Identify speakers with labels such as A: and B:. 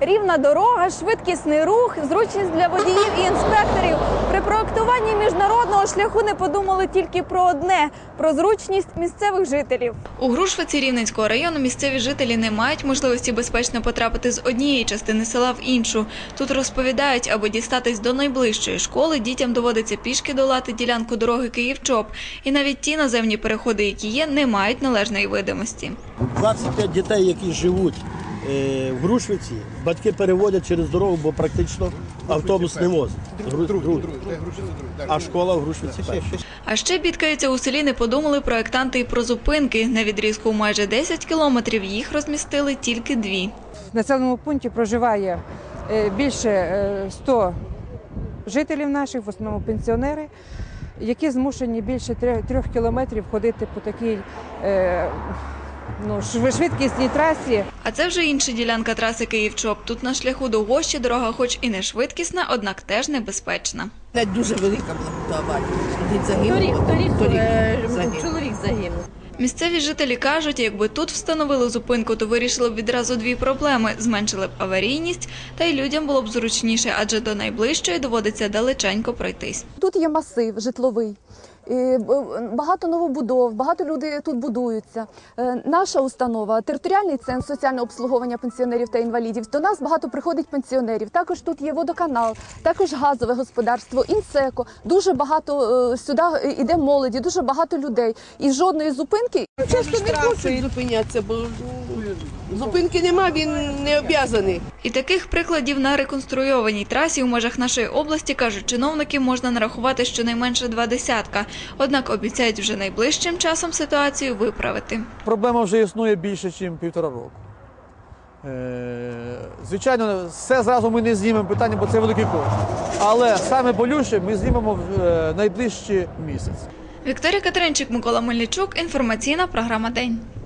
A: Рівна дорога, швидкісний рух, зручність для водіїв і інспекторів. При проектуванні міжнародного шляху не подумали тільки про одне – про зручність місцевих жителів. У Грушвиці Рівненського району місцеві жителі не мають можливості безпечно потрапити з однієї частини села в іншу. Тут розповідають, аби дістатись до найближчої школи, дітям доводиться пішки долати ділянку дороги Київ-Чоп. І навіть ті наземні переходи, які є, не мають належної видимості.
B: 25 дітей, які живуть в Грушвиці, батьки переводять через дорогу, бо практично автобус не возить. А школа в Грушвиці перша.
A: А ще бідкаються у селі, не подумали проєктанти і про зупинки. На відрізку у майже 10 кілометрів їх розмістили тільки 2.
C: В населеному пункті проживає більше 100 жителів наших, в основному пенсіонери, які змушені більше 3 кілометрів ходити по такій швидкісній трасі.
A: А це вже інша ділянка траси Київ-Чоп. Тут на шляху до Гощі дорога хоч і не швидкісна, однак теж небезпечна.
D: Дуже велика була аварія. Чоловік загинув.
A: Місцеві жителі кажуть, якби тут встановили зупинку, то вирішили б відразу 2 проблеми – зменшили б аварійність, та й людям було б зручніше, адже до найближчої доводиться далеченько пройтись.
E: Тут є масив житловий, багато новобудов, багато людей тут будуються. Наша установа – територіальний центр соціального обслуговування пенсіонерів та інвалідів. До нас багато приходить пенсіонерів. Також тут є водоканал, також газове господарство, інсеко. Дуже багато сюди йде молоді, дуже багато людей. І жодної зупинки.
D: Часто не хочуть зупинятися, бо зупинки нема, він не обов'язаний.
A: І таких прикладів на реконструйованій трасі у межах нашої області, кажуть чиновники, можна нарахувати щонайменше 20. Однак обіцяють вже найближчим часом ситуацію виправити.
F: Проблема вже існує більше, ніж 1,5 року. Звичайно, все зразу ми не знімемо питання, бо це великий кошт. Але саме болюче ми знімемо в найближчий місяць.
A: Вікторія Катеринчик, Микола Мельничук. Інформаційна програма «День».